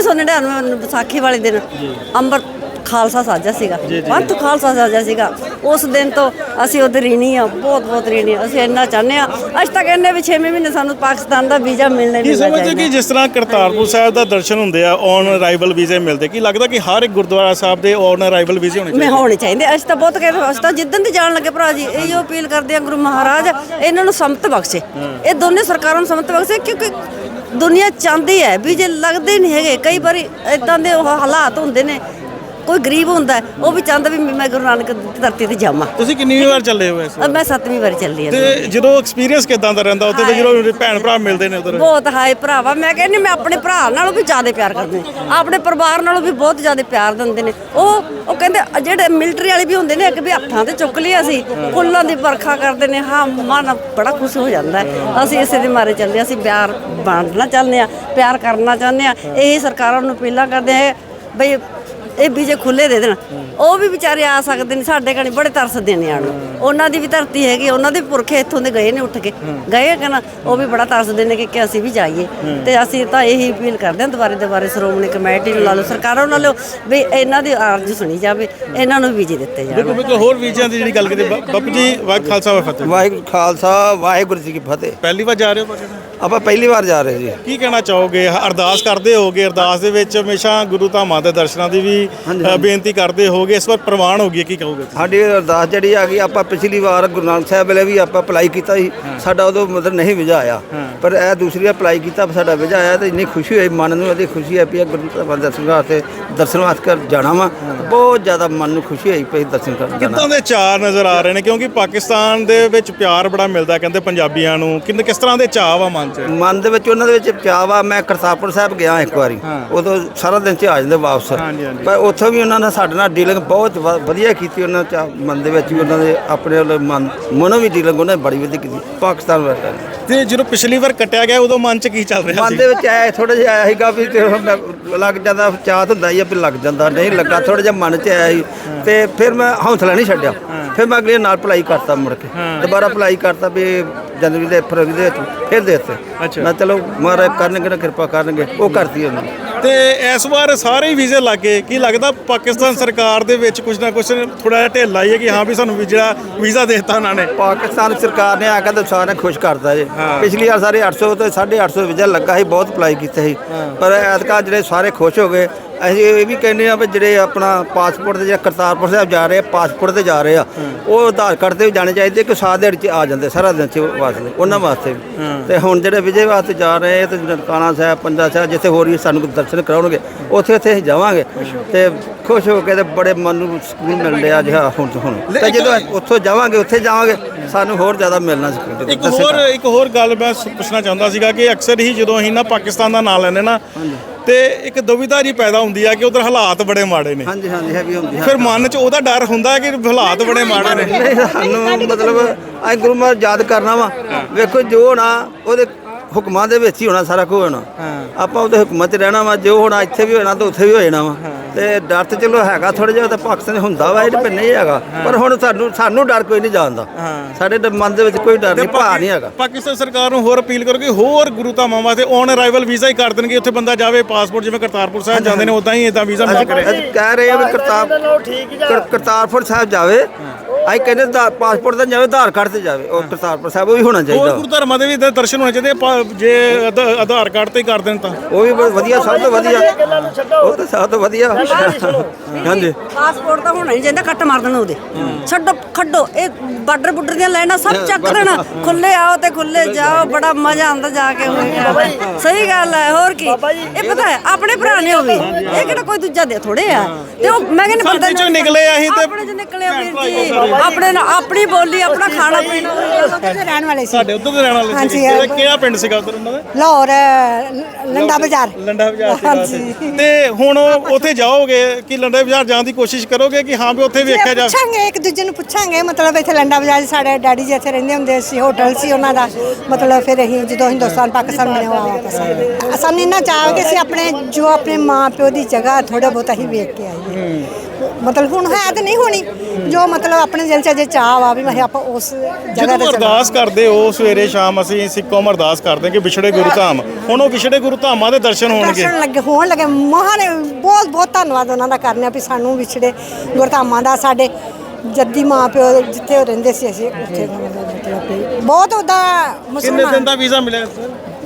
Speaker 3: 1999 ਵਿਸਾਖੀ ਵਾਲੇ ਦਿਨ ਅੰਮ੍ਰਿਤ ਖਾਲਸਾ ਸਾਜਾ ਸੀਗਾ, ਪੰਥ ਖਾਲਸਾ ਸਾਜਾ ਸੀਗਾ। ਉਸ ਦਿਨ ਤੋਂ ਅਸੀਂ ਉਹਦੇ ਰੀਣੀ ਆ, ਬਹੁਤ ਬਹੁਤ ਰੀਣੀ ਆ। ਅਸੀਂ ਇੰਨਾ ਚਾਹੁੰਦੇ ਆ, ਅਸੀਂ ਤਾਂ ਕਹਿੰਦੇ ਵੀ 6ਵੇਂ ਮਹੀਨੇ ਸਾਨੂੰ ਪਾਕਿਸਤਾਨ ਦਾ ਵੀਜ਼ਾ ਮਿਲਣਾ ਹੀ ਮਿਲਣਾ ਚਾਹੀਦਾ।
Speaker 1: ਕਿ ਜਿਸ ਤਰ੍ਹਾਂ ਕਰਤਾਰਪੁਰ ਸਾਹਿਬ ਦਾ ਦਰਸ਼ਨ ਹੁੰਦੇ ਆ, ਔਨ ਅਰਾਈਵਲ ਵੀਜ਼ੇ ਮਿਲਦੇ, ਕੀ ਲੱਗਦਾ ਕਿ ਹਰ ਇੱਕ ਗੁਰਦੁਆਰਾ ਸਾਹਿਬ ਦੇ ਔਨ ਅਰਾਈਵਲ ਵੀਜ਼ੇ ਹੋਣੇ ਚਾਹੀਦੇ? ਅਸੀਂ ਤਾਂ ਬਹੁਤ ਕਹਿੰਦੇ, ਅਸੀਂ ਤਾਂ ਜਿੱਦਣ ਤੇ ਜਾਣ ਲੱਗੇ ਭਰਾ ਜੀ ਇਹੋ ਅਪੀਲ ਕਰਦੇ ਆ, ਗੁਰੂ ਮਹਾਰਾਜ ਇਹਨਾਂ ਨੂੰ ਸੰਮਤ ਬਖਸ਼ੇ, ਇਹ ਦੋਨੇ ਸਰਕਾਰਾਂ ਨੂੰ ਸੰਮਤ ਬਖਸ਼ੇ, ਕਿਉਂਕਿ ਦੁਨੀਆ ਚਾਹੁੰਦੀ ਹੈ ਵੀਜ਼ੇ ਲੱਗਦੇ ਨਹੀਂ ਹੈਗੇ। ਕਈ ਵਾਰੀ ਇਦਾਂ ਦੇ ਹਾਲਾਤ ਹੁੰਦੇ ਨੇ, ਕੋਈ ਗਰੀਬ ਹੁੰਦਾ ਉਹ ਵੀ ਚਾਹੁੰਦਾ ਵੀ ਮੈਂ ਗੁਰੂ ਨਾਨਕ ਦੀ ਧਰਤੀ ਤੇ ਜਾਵਾਂ। ਤੁਸੀਂ ਕਿੰਨੀ ਵਾਰ ਚੱਲੇ ਹੋ ਇਸ ਵਾਰ?
Speaker 3: ਮੈਂ 7ਵੀਂ ਵਾਰ ਚੱਲੀ ਆ।
Speaker 1: ਤੇ ਜਦੋਂ ਐਕਸਪੀਰੀਅੰਸ ਕਿਦਾਂ ਦਾ ਰਹਿੰਦਾ ਉੱਥੇ, ਜਦੋਂ ਭੈਣ ਭਰਾ ਮਿਲਦੇ ਨੇ ਉਧਰ?
Speaker 3: ਬਹੁਤ ਹਾਏ ਭਰਾਵਾ, ਮੈਂ ਕਹਿੰਦੀ ਮੈਂ ਆਪਣੇ ਭਰਾ ਨਾਲੋਂ ਵੀ ਜ਼ਿਆਦਾ ਪਿਆਰ ਕਰਦੀ, ਆਪਣੇ ਪਰਿਵਾਰ ਨਾਲੋਂ ਵੀ ਬਹੁਤ ਜ਼ਿਆਦਾ ਪਿਆਰ ਦਿੰਦੇ ਨੇ। ਉਹ ਕਹਿੰਦੇ ਜਿਹੜੇ ਮਿਲਟਰੀ ਵਾਲੇ ਵੀ ਹੁੰਦੇ ਨੇ, ਇੱਕ ਵੀ ਹੱਥਾਂ ਤੇ ਚੁੱਕ ਲਿਆ ਅਸੀਂ, ਫੁੱਲਾਂ ਦੀ ਵਰਖਾ ਕਰਦੇ ਨੇ। ਹਾਂ, ਮਨ ਬੜਾ ਖੁਸ਼ ਹੋ ਜਾਂਦਾ। ਅਸੀਂ ਇਸੇ ਦੇ ਮਾਰੇ ਚੱਲਦੇ, ਅਸੀਂ ਪਿਆਰ ਬਾਂਟਣਾ ਚਾਹੁੰਦੇ ਆ, ਪਿਆਰ ਕਰਨਾ ਚਾਹੁੰਦੇ ਆ। ਇਹ ਸਰਕਾਰਾਂ ਨੂੰ ਅਪੀਲਾਂ ਕਰਦੇ ਆ ਬਈ ਇਹ ਵੀਜ਼ੇ ਖੁੱਲੇ ਦੇ ਦੇਣ। ਉਹ ਵੀ ਵਿਚਾਰੇ ਆ ਸਕਦੇ ਨੇ, ਸਾਡੇ ਕਣੀ ਬੜੇ ਤਰਸਦੇ ਨੇ ਆਣ ਨੂੰ। ਉਹਨਾਂ ਦੀ ਵੀ ਧਰਤੀ ਹੈਗੀ, ਉਹਨਾਂ ਦੇ ਪੁਰਖੇ ਇੱਥੋਂ ਦੇ ਗਏ ਨੇ, ਉੱਠ ਕੇ ਗਏ ਕਿ ਨਾ, ਉਹ ਵੀ ਬੜਾ ਤਰਸਦੇ ਨੇ ਕਿ ਅਸੀਂ ਵੀ ਜਾਈਏ। ਤੇ ਅਸੀਂ ਤਾਂ ਇਹੀ ਅਪੀਲ ਕਰਦੇ ਹਾਂ ਦੁਬਾਰੇ ਸ਼੍ਰੋਮਣੀ ਕਮੇਟੀ ਨੂੰ ਲਾ ਲਓ, ਸਰਕਾਰਾਂ ਨੂੰ ਲਾ ਲਓ, ਵੀ ਇਹਨਾਂ ਦੀ ਅਰਜ਼ ਸੁਣੀ ਜਾਵੇ, ਇਹਨਾਂ ਨੂੰ ਵੀਜ਼ੇ ਦਿੱਤੇ ਜਾਣ।
Speaker 1: ਬਿਲਕੁਲ। ਹੋਰ ਵੀਜ਼ਿਆਂ ਦੀ ਜਿਹੜੀ ਗੱਲ ਕੀਤੀ ਬਾਪੂ ਜੀ, ਵਾਹਿਗੁਰੂ ਖਾਲਸਾ ਵਾਹਿਗੁਰੂ ਫਤਿਹ।
Speaker 4: ਵਾਹਿਗੁਰੂ ਖਾਲਸਾ ਵਾਹਿਗੁਰੂ ਜੀ ਕੀ ਫਤਿਹ।
Speaker 1: ਪਹਿਲੀ ਵਾਰ ਜਾ ਰਹੇ ਹੋ?
Speaker 4: ਆਪਾਂ ਪਹਿਲੀ ਵਾਰ ਜਾ ਰਹੇ ਜੀ।
Speaker 1: ਕੀ ਕਹਿਣਾ ਚਾਹੋਗੇ? ਅਰਦਾਸ ਕਰਦੇ ਹੋਗੇ, ਅਰਦਾਸ ਦੇ ਵਿੱਚ ਹਮੇਸ਼ਾ ਗੁਰੂ ਧਾਮਾਂ ਦੇ ਦਰਸ਼ਨਾਂ ਦੀ ਵੀ ਬੇਨਤੀ ਕਰਦੇ ਹੋਗੇ, ਇਸ ਵਾਰ ਪ੍ਰਵਾਨ ਹੋ ਗਈ, ਕੀ ਕਹੋਗੇ?
Speaker 4: ਸਾਡੀ ਅਰਦਾਸ ਜਿਹੜੀ ਆ ਗਈ, ਆਪਾਂ ਪਿਛਲੀ ਵਾਰ ਗੁਰੂ ਨਾਨਕ ਸਾਹਿਬ ਵੇਲੇ ਵੀ ਆਪਾਂ ਅਪਲਾਈ ਕੀਤਾ ਸੀ, ਸਾਡਾ ਉਦੋਂ ਮਤਲਬ ਨਹੀਂ ਵੀਜ਼ਾ ਆਇਆ, ਪਰ ਇਹ ਦੂਸਰੀ ਅਪਲਾਈ ਕੀਤਾ, ਸਾਡਾ ਵੀਜ਼ਾ ਆਇਆ ਤੇ ਇੰਨੀ ਖੁਸ਼ੀ ਹੋਈ ਮਨ ਨੂੰ, ਇਹਦੀ ਖੁਸ਼ੀ ਹੈ ਵੀ ਗੁਰੂ ਧਾਮਾਂ ਦੇ ਦਰਸ਼ਨ ਵਾਸਤੇ ਦਰਸ਼ਨ ਵਾਸਤੇ ਕਰ ਜਾਣਾ ਵਾ। ਬਹੁਤ ਜ਼ਿਆਦਾ ਮਨ ਨੂੰ ਖੁਸ਼ੀ ਹੋਈ ਪਈ ਦਰਸ਼ਨ ਕਰਨ ਜਾਣਾ।
Speaker 1: ਕਿੱਦਾਂ ਦੇ ਚਾਅ ਨਜ਼ਰ ਆ ਰਹੇ ਨੇ? ਕਿਉਂਕਿ ਪਾਕਿਸਤਾਨ ਦੇ ਵਿੱਚ ਪਿਆਰ ਬੜਾ ਮਿਲਦਾ ਕਹਿੰਦੇ ਪੰਜਾਬੀਆਂ ਨੂੰ, ਕਿਸ ਤਰ੍ਹਾਂ ਦੇ ਚਾਅ ਵਾ
Speaker 4: ਮਨ ਦੇ ਵਿੱਚ? ਉਹਨਾਂ ਦੇ ਵਿੱਚ ਚਾਅ ਵਾ। ਮੈਂ ਕਰਤਾਰਪੁਰ ਸਾਹਿਬ ਗਿਆ ਇੱਕ ਵਾਰੀ, ਉਦੋਂ ਸਾਰਾ ਦਿਨ ਚ ਆ ਜਾਂਦੇ ਵਾਪਸ, ਪਰ ਉੱਥੋਂ ਵੀ ਉਹਨਾਂ ਨੇ ਸਾਡੇ ਨਾਲ ਡੀਲਿੰਗ ਬਹੁਤ ਵਧੀਆ ਕੀਤੀ। ਉਹਨਾਂ ਚ ਮਨ ਦੇ ਵਿੱਚ ਵੀ ਉਹਨਾਂ ਦੇ ਆਪਣੇ ਮਨੋਂ ਵੀ ਡੀਲਿੰਗ ਉਹਨਾਂ ਨੇ ਬੜੀ ਵਧੀਆ ਕੀਤੀ ਪਾਕਿਸਤਾਨ ਵਾਲਿਆਂ ਨੇ।
Speaker 1: ਤੇ ਜਦੋਂ ਪਿਛਲੀ ਵਾਰ ਕੱਟਿਆ ਗਿਆ ਉਦੋਂ ਮਨ ਚ ਕੀ ਚੱਲ ਰਿਹਾ ਸੀ?
Speaker 4: ਮਨ ਦੇ ਵਿੱਚ ਆਇਆ ਥੋੜਾ ਜਿਹਾ ਆਇਆ ਸੀਗਾ ਵੀ ਲੱਗ ਜਾਂਦਾ, ਚਾਹ ਹੁੰਦਾ ਹੀ ਆ ਵੀ ਲੱਗ ਜਾਂਦਾ, ਨਹੀਂ ਲੱਗਾ, ਥੋੜਾ ਜਿਹਾ ਮਨ ਚ ਆਇਆ ਸੀ। ਤੇ ਫਿਰ ਮੈਂ ਹੌਸਲਾ ਨਹੀਂ ਛੱਡਿਆ, ਫਿਰ ਮੈਂ ਅਗਲੇ ਨਾਲ ਅਪਲਾਈ ਕਰਤਾ, ਮੁੜ ਕੇ ਦੁਬਾਰਾ ਅਪਲਾਈ ਕਰਤਾ ਵੀ ਜਨਵਰੀ ਦੇ ਫਰਵਰੀ ਦੇ ਵਿੱਚ ਫਿਰ ਦੇ ਦਿੱਤੇ। ਮੈਂ ਚਲੋ ਮਹਾਰਾਜ ਕਰਨਗੇ ਨਾ, ਕਿਰਪਾ ਕਰਨਗੇ, ਉਹ ਕਰਤੀ ਉਹਨਾਂ ਨੇ।
Speaker 1: ਤੇ ਇਸ ਵਾਰ ਸਾਰੇ ਹੀ ਵੀਜ਼ੇ ਲੱਗੇ, ਕੀ ਲੱਗਦਾ ਪਾਕਿਸਤਾਨ ਸਰਕਾਰ ਦੇ ਵਿੱਚ ਕੁਝ ਨਾ ਕੁਝ ਥੋੜਾ ਜਿਹਾ ਢਿੱਲ ਆਈ ਹੈ ਕਿ ਹਾਂ ਵੀ ਸਾਨੂੰ ਵੀਜ਼ਾ ਦੇ ਦਿੱਤਾ ਉਹਨਾਂ ਨੇ?
Speaker 4: ਪਾਕਿਸਤਾਨ ਸਰਕਾਰ ਨੇ ਆ ਕੇ ਤਾਂ ਸਾਰਿਆਂ ਖੁਸ਼ ਕਰਤਾ ਜੀ। ਪਿਛਲੀ ਵਾਰ ਸਾਰੇ 800 ਤੇ 850 ਵੀਜ਼ਾ ਲੱਗਾ ਸੀ, ਬਹੁਤ ਅਪਲਾਈ ਕੀਤੇ ਸੀ, ਪਰ ਐਤਕਾਂ ਜਿਹੜੇ ਸਾਰੇ ਖੁਸ਼ ਹੋ ਗਏ। ਅਸੀਂ ਇਹ ਵੀ ਕਹਿੰਦੇ ਆ ਵੀ ਜਿਹੜੇ ਆਪਣਾ ਪਾਸਪੋਰਟ ਤੇ ਜਾਂ ਕਰਤਾਰਪੁਰ ਸਾਹਿਬ ਜਾ ਰਹੇ ਆ, ਪਾਸਪੋਰਟ ਤੇ ਜਾ ਰਹੇ ਆ, ਉਹ ਆਧਾਰ ਕਾਰਡ ਤੇ ਵੀ ਜਾਣੇ ਚਾਹੀਦੇ ਕਿ ਸਾਰਾ ਦਿਨ ਚ ਆ ਜਾਂਦੇ, ਸਾਰਾ ਦਿਨ ਚ ਵਾਸਤੇ ਉਹਨਾਂ ਵਾਸਤੇ ਵੀ। ਤੇ ਹੁਣ ਜਿਹੜੇ ਵਿਜੇ ਵਾਸਤੇ ਜਾ ਰਹੇ ਤੇ ਨਨਕਾਣਾ ਸਾਹਿਬ, ਪੰਜਾ ਸਾਹਿਬ, ਜਿੱਥੇ ਹੋਰ ਵੀ ਸਾਨੂੰ ਦਰਸ਼ਨ ਕਰਾਉਣਗੇ, ਉੱਥੇ ਅਸੀਂ ਜਾਵਾਂਗੇ ਤੇ ਖੁਸ਼ ਹੋ ਕੇ ਤੇ ਬੜੇ ਮਨ ਨੂੰ ਸਕੂਨ ਮਿਲ ਰਿਹਾ ਜੀ। ਹੁਣ ਤੇ ਜਦੋਂ ਉੱਥੋਂ ਜਾਵਾਂਗੇ, ਉੱਥੇ ਜਾਵਾਂਗੇ, ਸਾਨੂੰ ਹੋਰ ਜ਼ਿਆਦਾ ਮਿਲਣਾ ਸਕੂਨ।
Speaker 1: ਇੱਕ ਹੋਰ ਗੱਲ ਮੈਂ ਪੁੱਛਣਾ ਚਾਹੁੰਦਾ ਸੀਗਾ ਕਿ ਅਕਸਰ ਹੀ ਜਦੋਂ ਅਸੀਂ ਨਾ ਪਾਕਿਸਤਾਨ ਦਾ ਨਾਂ ਲੈਂਦੇ ਨਾ, ਤੇ ਇੱਕ ਦੁਵਿਧਾ ਜੀ ਪੈਦਾ ਹੁੰਦੀ ਆ ਕਿ ਉਧਰ ਹਾਲਾਤ ਬੜੇ ਮਾੜੇ ਨੇ,
Speaker 4: ਹਾਂਜੀ ਹਾਂਜੀ ਹੈਵੀ ਹੁੰਦੀ ਹੈ।
Speaker 1: ਫਿਰ ਮਨ 'ਚ ਉਹਦਾ ਡਰ ਹੁੰਦਾ ਕਿ ਹਾਲਾਤ ਬੜੇ ਮਾੜੇ ਨੇ।
Speaker 4: ਨਹੀਂ ਸਾਨੂੰ ਮਤਲਬ ਅਸੀਂ ਗੁਰੂ ਮਹਾਰਾਜ ਯਾਦ ਕਰਨਾ ਵਾ, ਵੇਖੋ ਜੋ ਹੋਣਾ ਉਹਦੇ ਹੁਕਮਾਂ ਦੇ ਵਿੱਚ ਹੀ ਹੋਣਾ, ਸਾਰਾ ਕੁਝ ਹੋਣਾ। ਆਪਾਂ ਉਹਦੇ ਹੁਕਮਾਂ 'ਚ ਰਹਿਣਾ ਵਾ, ਜੋ ਹੋਣਾ ਇੱਥੇ ਵੀ ਹੋਣਾ ਤਾਂ ਉੱਥੇ ਵੀ ਹੋ ਜਾਣਾ ਵਾ। ਤੇ ਡਰ ਤੇ ਚਲੋ ਹੈਗਾ ਥੋੜਾ ਜਿਹਾ, ਤਾਂ ਪਾਕਿਸਤਾਨ ਹੁੰਦਾ ਵਾ, ਇਹ ਤਾਂ ਨਹੀਂ ਹੈਗਾ, ਪਰ ਹੁਣ ਸਾਨੂੰ ਡਰ ਕੋਈ ਨਹੀਂ ਜਾਣਦਾ, ਸਾਡੇ ਮਨ ਦੇ ਵਿੱਚ ਕੋਈ ਡਰ ਨਹੀਂ, ਭਾ ਨਹੀਂ ਹੈਗਾ।
Speaker 1: ਪਾਕਿਸਤਾਨ ਸਰਕਾਰ ਨੂੰ ਹੋਰ ਅਪੀਲ ਕਰੋ ਕਿ ਹੋਰ ਗੁਰੂ ਧਾਮਾਂ ਵਾਸਤੇ ਔਨ ਅਰਾਈਵਲ ਵੀਜ਼ਾ ਹੀ ਕਰ ਦੇਣਗੇ, ਉੱਥੇ ਬੰਦਾ ਜਾਵੇ, ਪਾਸਪੋਰਟ ਜਿਵੇਂ ਕਰਤਾਰਪੁਰ ਸਾਹਿਬ ਜਾਂਦੇ ਨੇ ਉਦਾਂ ਹੀ ਇਦਾਂ ਵੀਜ਼ਾ ਮਿਲ ਕਰੇ।
Speaker 4: ਅਸੀਂ ਕਹਿ ਰਹੇ ਆ ਵੀ ਕਰਤਾਰਪੁਰ ਸਾਹਿਬ ਜਾਵੇ, ਅਸੀਂ ਕਹਿੰਦੇ ਪਾਸਪੋਰਟ ਤਾਂ ਜਾਵੇ, ਆਧਾਰ ਕਾਰਡ ਤੇ ਜਾਵੇ, ਉਹ ਕਰਤਾਰਪੁਰ ਸਾਹਿਬ ਉਹ ਵੀ ਹੋਣਾ
Speaker 1: ਹੋਰ
Speaker 4: ਚਾਹੀਦਾ।
Speaker 1: ਗੁਰੂ ਧਰਮਾਂ ਦੇ ਵੀ ਦਰਸ਼ਨ ਹੋਣੇ ਚਾਹੀਦੇ ਜੇ ਆਧਾਰ ਕਾਰਡ ਤੇ ਹੀ ਕਰ ਦੇਣ ਤਾਂ
Speaker 4: ਉਹ ਵੀ ਬਹੁਤ ਵਧੀਆ, ਸਭ ਤੋਂ ਵਧੀਆ, ਉਹ ਤਾਂ ਸਭ ਤੋਂ ਵਧੀਆ। ਹਾਂਜੀ
Speaker 3: ਪਾਸਪੋਰਟ ਤਾਂ ਹੋਣਾ ਨਹੀਂ ਚਾਹੀਦਾ, ਕੱਟ ਮਾਰ ਦੇਣਾ ਉਹਦੇ, ਛੱਡੋ ਖੱਡੋ, ਇਹ ਬਾਰਡਰ ਬੁੱਡਰ ਦੀਆਂ ਲਾਈਨਾਂ ਸਭ ਚੱਕ ਦੇਣਾ, ਖੁੱਲੇ ਆਓ ਤੇ ਖੁੱਲੇ ਜਾਓ, ਬੜਾ ਮਜ਼ਾ ਆਉਂਦਾ ਜਾ ਕੇ ਹੋਏਗਾ। ਸਹੀ ਗੱਲ ਹੈ, ਹੋਰ ਕੀ, ਇਹ ਪਤਾ ਹੈ ਆਪਣੇ ਭਰਾ ਨੇ ਉਹ ਵੀ, ਇਹ ਕਿਹੜਾ ਕੋਈ ਦੂਜਾ ਦੇ ਥੋੜੇ ਆ, ਤੇ ਉਹ ਮੈਂ ਕਹਿੰਦੀ
Speaker 1: ਸਾਡੇ ਚੋਂ ਨਿਕਲੇ ਆ ਅਸੀਂ ਤੇ
Speaker 3: ਆਪਣੇ ਚੋਂ ਨਿਕਲੇ ਆ ਵੀਰ ਜੀ, ਆਪਣੇ ਨਾਲ ਆਪਣੀ ਬੋਲੀ, ਆਪਣਾ ਖਾਣਾ ਪੀਣਾ
Speaker 7: ਰਹਿਣ ਵਾਲੇ ਸੀ
Speaker 1: ਸਾਡੇ ਉੱਧਰ ਦੇ ਰਹਿਣ ਵਾਲੇ ਸੀ। ਕਿਹੜਾ ਪਿੰਡ ਸੀਗਾ ਉੱਧਰ ਉਹਨਾਂ ਦਾ?
Speaker 7: ਲਾਹੌਰ ਲੰਡਾ ਬਾਜ਼ਾਰ।
Speaker 1: ਲੰਡਾ ਬਾਜ਼ਾਰ ਸੀਗਾ। ਤੇ ਹੁਣ ਉੱਥੇ ਜਾਓਗੇ ਕਿ ਲੰਡਾ ਬਾਜ਼ਾਰ ਜਾਣ ਦੀ ਕੋਸ਼ਿਸ਼ ਕਰੋਗੇ ਕਿ ਹਾਂ ਵੀ ਉੱਥੇ ਵੇਖਿਆ ਜਾ?
Speaker 7: ਪੁੱਛਾਂਗੇ, ਇੱਕ ਦੂਜੇ ਨੂੰ ਪੁੱਛਾਂਗੇ, ਮਤਲਬ ਇੱਥੇ ਲੰਡਾ ਬਾਜ਼ਾਰ ਸਾਡੇ ਡੈਡੀ ਜੀ ਇੱਥੇ ਰਹਿੰਦੇ ਹੁੰਦੇ ਸੀ, ਹੋਟਲ ਸੀ ਉਹਨਾਂ ਦਾ, ਮਤਲਬ ਫਿਰ ਅਸੀਂ ਜਦੋਂ ਹਿੰਦੁਸਤਾਨ ਪਾਕਿਸਤਾਨ ਬਣਿਆ ਵਾਪਸ ਸਾਨੂੰ ਇੰਨਾ ਚਾਹ ਕਿ ਅਸੀਂ ਆਪਣੇ ਮਾਂ ਪਿਓ ਦੀ ਜਗ੍ਹਾ ਥੋੜਾ ਬਹੁਤ ਅਸੀਂ ਵੇਖ ਕੇ ਆਈਏ। ਮਤਲਬ ਹੁਣ ਹੈ ਤਾਂ ਨਹੀਂ ਹੋਣੀ, ਜੋ ਮਤਲਬ ਆਪਣੇ ਦਿਲ 'ਚ ਅਜੇ ਚਾਹ ਵਾ ਵੀ ਆਪਾਂ ਉਸ ਜਗ੍ਹਾ ਤੇ
Speaker 1: ਅਰਦਾਸ ਕਰਦੇ ਹੋ ਸਵੇਰੇ ਸ਼ਾਮ, ਅਸੀਂ ਸਿੱਖ ਕੌਮ ਅਰਦਾਸ ਕਰਦੇ ਕਿ ਵਿਛੜੇ ਗੁਰੂ ਧਾਮ, ਹੁਣ ਉਹ ਵਿਛੜੇ ਗੁਰੂ ਧਾਮਾਂ ਦੇ ਦਰਸ਼ਨ ਹੋਣਗੇ।
Speaker 7: ਹੋਣ ਲੱਗੇ ਮਹਾਨ, ਬਹੁਤ ਬਹੁਤ ਧੰਨਵਾਦ ਉਹਨਾਂ ਦਾ ਕਰਨੇ ਆ ਵੀ ਸਾਨੂੰ ਵਿਛੜੇ ਗੁਰਧਾਮਾਂ ਦਾ, ਸਾਡੇ ਜੱਦੀ ਮਾਂ ਪਿਓ ਜਿੱਥੇ ਉਹ ਰਹਿੰਦੇ ਸੀ ਅਸੀਂ ਉੱਥੇ ਮਤਲਬ ਬਹੁਤ ਉਹਦਾ
Speaker 1: ਕਿੰਨੇ ਦਿਨ ਦਾ ਵੀਜ਼ਾ ਮਿਲਿਆ ਸਰ?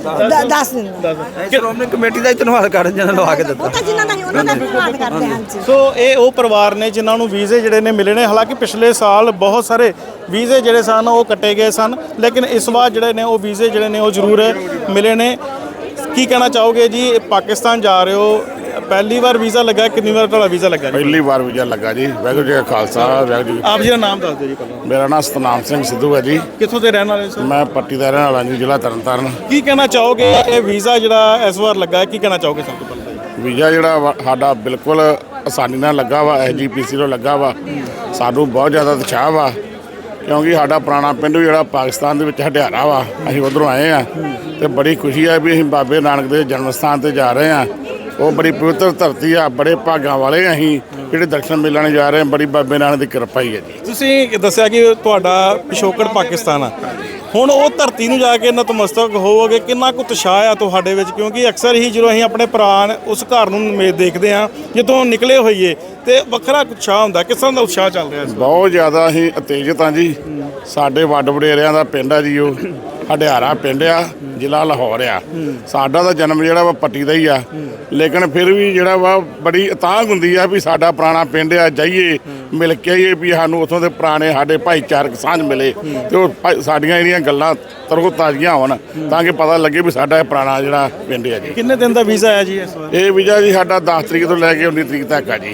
Speaker 7: 10 ਦਿਨ ਦਾ।
Speaker 4: ਸ਼੍ਰੋਮਣੀ ਕਮੇਟੀ ਦਾ ਹੀ ਧੰਨਵਾਦ ਕਰਨ ਜਿਹਨਾਂ ਲਵਾ ਕੇ ਦਿੱਤਾ।
Speaker 7: ਉਹ ਤਾਂ ਜਿਨ੍ਹਾਂ ਦਾ ਹੀ ਉਹਨਾਂ ਦਾ ਧੰਨਵਾਦ ਕਰਦੇ ਹਾਂ ਜੀ।
Speaker 1: ਸੋ ਇਹ ਉਹ ਪਰਿਵਾਰ ਨੇ ਜਿਨ੍ਹਾਂ ਨੂੰ ਵੀਜ਼ੇ ਜਿਹੜੇ ਨੇ ਮਿਲੇ ਨੇ। ਹਾਲਾਂਕਿ ਪਿਛਲੇ ਸਾਲ ਬਹੁਤ ਸਾਰੇ ਵੀਜ਼ੇ ਜਿਹੜੇ ਸਨ ਉਹ ਕੱਟੇ ਗਏ ਸਨ, ਲੇਕਿਨ ਇਸ ਵਾਰ ਜਿਹੜੇ ਨੇ ਉਹ ਵੀਜ਼ੇ ਜਿਹੜੇ ਨੇ ਉਹ ਜ਼ਰੂਰ ਮਿਲੇ ਨੇ। ਕੀ ਕਹਿਣਾ ਚਾਹੋਗੇ ਜੀ, ਪਾਕਿਸਤਾਨ ਜਾ ਰਹੇ ਹੋ, ਪਹਿਲੀ ਵਾਰ ਵੀਜ਼ਾ ਲੱਗਾ, ਕਿੰਨੀ ਵਾਰ ਤੁਹਾਡਾ ਵੀਜ਼ਾ ਲੱਗਾ?
Speaker 8: ਪਹਿਲੀ ਵਾਰ ਵੀਜ਼ਾ ਲੱਗਾ ਜੀ। ਵਾਹਿਗੁਰੂ ਜੀ ਕਾ ਖਾਲਸਾ, ਵਾਹਿਗੁਰੂ ਜੀ।
Speaker 1: ਆਪ ਜੀ ਦਾ ਨਾਮ ਦੱਸ ਦਿਓ ਜੀ ਪਹਿਲਾਂ।
Speaker 8: ਮੇਰਾ ਨਾਮ ਸਤਨਾਮ ਸਿੰਘ ਸਿੱਧੂ ਹੈ ਜੀ।
Speaker 1: ਕਿੱਥੋਂ ਦੇ ਰਹਿਣ ਵਾਲੇ ਸਰ?
Speaker 8: ਮੈਂ ਪੱਟੀ ਦਾ ਰਹਿਣ ਵਾਲਾ ਜੀ, ਜ਼ਿਲ੍ਹਾ ਤਰਨਤਾਰਨ।
Speaker 1: ਕੀ ਕਹਿਣਾ ਚਾਹੋਗੇ, ਇਹ ਵੀਜ਼ਾ ਜਿਹੜਾ ਇਸ ਵਾਰ ਲੱਗਾ ਹੈ, ਕੀ ਕਹਿਣਾ ਚਾਹੋਗੇ ਸਭ ਤੋਂ ਪਹਿਲਾਂ?
Speaker 8: ਵੀਜ਼ਾ ਜਿਹੜਾ ਸਾਡਾ ਬਿਲਕੁਲ ਆਸਾਨੀ ਨਾਲ ਲੱਗਾ ਵਾ, SGPC ਤੋਂ ਲੱਗਾ ਵਾ। ਸਾਨੂੰ ਬਹੁਤ ਜ਼ਿਆਦਾ ਉਤਸ਼ਾਹ ਵਾ, ਕਿਉਂਕਿ ਸਾਡਾ ਪੁਰਾਣਾ ਪਿੰਡ ਜਿਹੜਾ ਪਾਕਿਸਤਾਨ ਦੇ ਵਿੱਚ ਹਟਿਆਰਾ ਵਾ, ਅਸੀਂ ਉੱਧਰੋਂ ਆਏ ਆ ਤੇ ਬੜੀ ਖੁਸ਼ੀ ਆ ਵੀ ਅਸੀਂ ਬਾਬੇ ਨਾਨਕ ਦੇ ਜਨਮ ਸਥਾਨ ਤੇ ਜਾ ਰਹੇ ਆ। ਉਹ ਬੜੀ ਪਵਿੱਤਰ ਧਰਤੀ ਆ, ਬੜੇ ਭਾਗਾਂ ਵਾਲੇ ਅਸੀਂ ਜਿਹੜੇ ਦਰਸ਼ਨ ਮੇਲਣ ਜਾ ਰਹੇ ਆ। ਬੜੀ ਬਾਬੇ ਨਾਨਕ ਦੀ ਕਿਰਪਾ ਹੀ ਹੈ ਜੀ।
Speaker 1: ਤੁਸੀਂ ਦੱਸਿਆ ਕਿ ਤੁਹਾਡਾ ਪਿਛੋਕੜ ਪਾਕਿਸਤਾਨ ਆ, ਹੁਣ ਉਹ ਧਰਤੀ ਨੂੰ ਜਾ ਕੇ ਨਤਮਸਤਕ ਹੋਵੋਗੇ, ਕਿੰਨਾ ਕੁ ਉਤਸ਼ਾਹ ਆ ਤੁਹਾਡੇ ਵਿੱਚ? ਕਿਉਂਕਿ ਅਕਸਰ ਹੀ ਜਦੋਂ ਅਸੀਂ ਆਪਣੇ ਭਰਾ ਉਸ ਘਰ ਨੂੰ ਦੇਖਦੇ ਆ ਜਦੋਂ ਨਿਕਲੇ ਹੋਈਏ ਤੇ ਵੱਖਰਾ ਉਤਸ਼ਾਹ ਹੁੰਦਾ, ਕਿਸ ਤਰ੍ਹਾਂ ਦਾ ਉਤਸ਼ਾਹ ਚੱਲ ਰਿਹਾ?
Speaker 8: ਬਹੁਤ ਜ਼ਿਆਦਾ ਅਸੀਂ ਉਤੇਜਿਤ ਹਾਂ ਜੀ। ਸਾਡੇ ਵੱਡ ਵਡੇਰਿਆਂ ਦਾ ਪਿੰਡ ਆ ਜੀ, ਉਹ ਹਟਿਆਰਾ ਪਿੰਡ ਆ, ਜ਼ਿਲ੍ਹਾ ਲਾਹੌਰ ਆ। ਸਾਡਾ ਤਾਂ ਜਨਮ ਜਿਹੜਾ ਵਾ ਪੱਟੀ ਦਾ ਹੀ ਆ, ਲੇਕਿਨ ਫਿਰ ਵੀ ਜਿਹੜਾ ਵਾ ਬੜੀ ਉਤਾਂਘ ਹੁੰਦੀ ਆ ਵੀ ਸਾਡਾ ਪੁਰਾਣਾ ਪਿੰਡ ਆ, ਜਾਈਏ ਮਿਲ ਕੇ ਆਈਏ, ਵੀ ਸਾਨੂੰ ਉੱਥੋਂ ਦੇ ਪੁਰਾਣੇ ਸਾਡੇ ਭਾਈਚਾਰਕ ਸਾਂਝ ਮਿਲੇ ਤੇ ਉਹ ਸਾਡੀਆਂ ਜਿਹੜੀਆਂ ਗੱਲਾਂ ਤਰੋ ਤਾਜ਼ੀਆਂ ਹੋਣ, ਤਾਂ ਕਿ ਪਤਾ ਲੱਗੇ ਵੀ ਸਾਡਾ ਇਹ ਪੁਰਾਣਾ ਜਿਹੜਾ ਪਿੰਡ ਆ ਜੀ।
Speaker 1: ਕਿੰਨੇ ਦਿਨ ਦਾ ਵੀਜ਼ਾ ਆਇਆ ਜੀ ਇਸ ਵਾਰ?
Speaker 8: ਇਹ ਵੀਜ਼ਾ ਜੀ ਸਾਡਾ 10 ਤਰੀਕ ਤੋਂ ਲੈ ਕੇ 19 ਤਰੀਕ ਤੱਕ ਆ ਜੀ।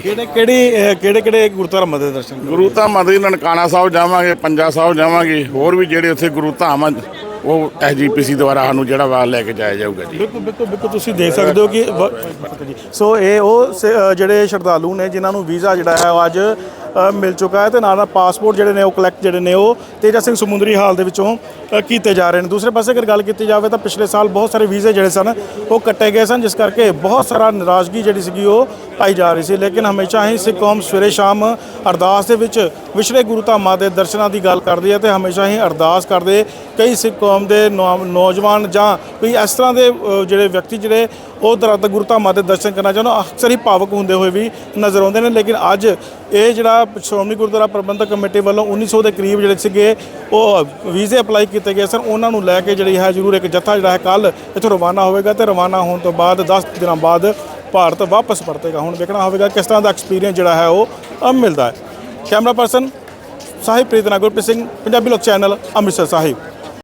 Speaker 1: ਕਿਹੜੇ ਗੁਰਦੁਆਰਾ ਦੇ ਦਰਸ਼ਨ?
Speaker 8: ਗੁਰੂ ਧਾਮਾਂ ਦੇ ਨਨਕਾਣਾ ਸਾਹਿਬ ਜਾਵਾਂਗੇ, ਪੰਜਾ ਸਾਹਿਬ ਜਾਵਾਂਗੇ, ਹੋਰ ਵੀ ਜਿਹੜੇ ਉੱਥੇ ਗੁਰੂ ਧਾਮ ਆ ਉਹ SGPC ਦੁਆਰਾ ਸਾਨੂੰ ਜਿਹੜਾ ਵਾ ਲੈ ਕੇ ਜਾਇਆ ਜਾਊਗਾ ਜੀ।
Speaker 1: ਬਿਲਕੁਲ ਤੁਸੀਂ ਦੇਖ ਸਕਦੇ ਹੋ ਕਿ ਸੋ ਇਹ ਉਹ ਜਿਹੜੇ ਸ਼ਰਧਾਲੂ ਨੇ ਜਿਨ੍ਹਾਂ ਨੂੰ ਵੀਜ਼ਾ ਜਿਹੜਾ ਹੈ ਉਹ ਅੱਜ ਮਿਲ ਚੁੱਕਾ ਹੈ ਤੇ ਨਾਲ ਪਾਸਪੋਰਟ ਜਿਹੜੇ ਨੇ ਉਹ ਕਲੈਕਟ ਜਿਹੜੇ ਨੇ ਉਹ ਤੇਜਾ ਸਿੰਘ ਸਮੁੰਦਰੀ ਹਾਲ ਦੇ ਵਿੱਚੋਂ ਕੀਤੇ ਜਾ ਰਹੇ ਨੇ। ਦੂਸਰੇ ਪਾਸੇ ਅਗਰ ਗੱਲ ਕੀਤੀ ਜਾਵੇ ਤਾਂ ਪਿਛਲੇ ਸਾਲ ਬਹੁਤ ਸਾਰੇ ਵੀਜ਼ੇ ਜਿਹੜੇ ਸਨ ਉਹ ਕੱਟੇ ਗਏ ਸਨ, ਜਿਸ ਕਰਕੇ ਬਹੁਤ ਸਾਰਾ ਨਾਰਾਜ਼ਗੀ ਜਿਹੜੀ ਸੀਗੀ ਉਹ ਪਾਈ ਜਾ ਰਹੀ ਸੀ। ਲੇਕਿਨ ਹਮੇਸ਼ਾ ਹੀ ਸਿੱਖ ਕੌਮ ਸਵੇਰੇ ਸ਼ਾਮ ਅਰਦਾਸ ਦੇ ਵਿੱਚ ਵਿਛੜੇ ਗੁਰੂ ਧਾਮਾਂ ਦੇ ਦਰਸ਼ਨਾਂ ਦੀ ਗੱਲ ਕਰਦੀ ਹੈ ਤੇ ਹਮੇਸ਼ਾ ਹੀ ਅਰਦਾਸ ਕਰਦੇ ਕਈ ਸਿੱਖ ਕੌਮ ਦੇ ਨੌਜਵਾਨ ਜਾਂ ਕੋਈ ਇਸ ਤਰ੍ਹਾਂ ਦੇ ਜਿਹੜੇ ਵਿਅਕਤੀ ਜਿਹੜੇ ਉਹ ਦਰਦ ਗੁਰੂ ਧਾਮਾਂ ਦੇ ਦਰਸ਼ਨ ਕਰਨਾ ਚਾਹੁੰਦੇ ਅਕਸਰ ਹੀ ਭਾਵਕ ਹੁੰਦੇ ਹੋਏ ਵੀ ਨਜ਼ਰ ਆਉਂਦੇ ਨੇ। ਲੇਕਿਨ ਅੱਜ ਇਹ ਜਿਹੜਾ ਸ਼੍ਰੋਮਣੀ ਗੁਰਦੁਆਰਾ ਪ੍ਰਬੰਧਕ ਕਮੇਟੀ ਵੱਲੋਂ 1900 ਦੇ ਕਰੀਬ ਜਿਹੜੇ ਸੀਗੇ ਉਹ ਵੀਜ਼ੇ ਅਪਲਾਈ ਕੀਤੇ ਗਏ ਸਨ, ਉਹਨਾਂ ਨੂੰ ਲੈ ਕੇ ਜਿਹੜੀ ਹੈ ਜ਼ਰੂਰ ਇੱਕ ਜੱਥਾ ਜਿਹੜਾ ਹੈ ਕੱਲ੍ਹ ਇੱਥੋਂ ਰਵਾਨਾ ਹੋਵੇਗਾ ਤੇ ਰਵਾਨਾ ਹੋਣ ਤੋਂ ਬਾਅਦ 10 ਦਿਨਾਂ ਬਾਅਦ ਭਾਰਤ ਵਾਪਸ ਪਰਤੇਗਾ। ਹੁਣ ਵੇਖਣਾ ਹੋਵੇਗਾ ਕਿਸ ਤਰ੍ਹਾਂ ਦਾ ਐਕਸਪੀਰੀਅੰਸ ਜਿਹੜਾ ਹੈ ਉਹ ਮਿਲਦਾ ਹੈ। ਕੈਮਰਾ ਪਰਸਨ ਸਾਹਿਬ ਪ੍ਰੀਤ ਨਾਲ ਗੁਰਪ੍ਰੀਤ ਸਿੰਘ, ਪੰਜਾਬੀ ਲੋਕ ਚੈਨਲ, ਅੰਮ੍ਰਿਤਸਰ ਸਾਹਿਬ।